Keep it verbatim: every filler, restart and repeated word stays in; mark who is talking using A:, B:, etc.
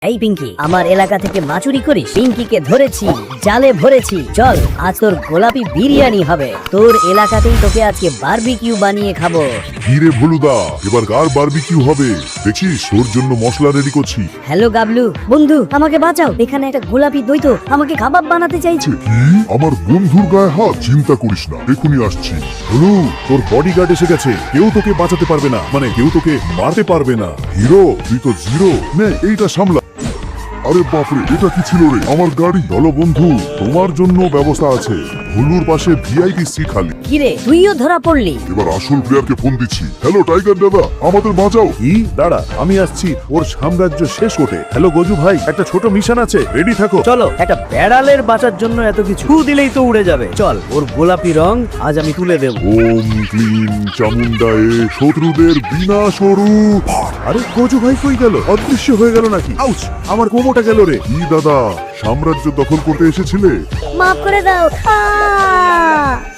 A: এই পিঙ্কি, আমার এলাকা থেকে মাচুরি করিস? পিঙ্কিকে ধরেছি, জালে ভরেছি। চল, আজ তোর গোলাপি বিরিয়ানি হবে। তোর এলাকাতেই তোকে আজকে বারবিকিউ বানিয়ে খাবো।
B: হিরে ভুলুদা, এবার কার বারবিকিউ হবে দেখছিস? তোর জন্য মশলা রেডি করছি।
A: হ্যালো গাবলু, বন্ধু আমাকে বাঁচাও। এখানে একটা গোলাপি দ্বৈত আমাকে কাবাব বানাতে চাইছে।
B: কি? আমার বন্ধুর গায়ে হাত? চিন্তা করিস না, এখনই আসছি। হ্যালো, তোর বডিগার্ড এসে গেছে। কেউ তোকে বাঁচাতে পারবে না, মানে কেউ তোকে মারতে পারবে না। হিরো, তুই তো জিরো। নে এইটা সামলা। আরে বাপরে, এটা কি ছিল রে? আমার গাড়ি। চলো বন্ধু, তোমার জন্য ব্যবস্থা আছে। ভুলুর পাশে ভিআইপি সিট খালি।
A: কিরে, তুইও ধরা পড়লি?
B: এবার আসল প্লেয়ারকে ফোন দিচ্ছি। হ্যালো টাইগার দাদা, আমাদের বাঁচাও।
C: কি? দাঁড়া, আমি আসছি ওর সাম্রাজ্য শেষ করতে। হ্যালো গজু ভাই, একটা ছোট মিশন আছে, রেডি থাকো।
D: চলো, একটা বেড়ালের বাঁচার জন্য এত কিছু ফু দিলেই তো উড়ে যাবে। চল, ওর গোলাপি রং আজ আমি তুলে দেব।
B: ওম ক্লিম চামুন্ডায়ে শত্রুদের বিনাশ করু।
C: আরে গজু ভাই কই গেল? অদৃশ্য হয়ে গেল নাকি? আউচ, আমার কোমোটা গেল রে।
B: কি দাদা, সাম্রাজ্য দখল করতে এসেছিলে?
A: মাফ করে দাও। আ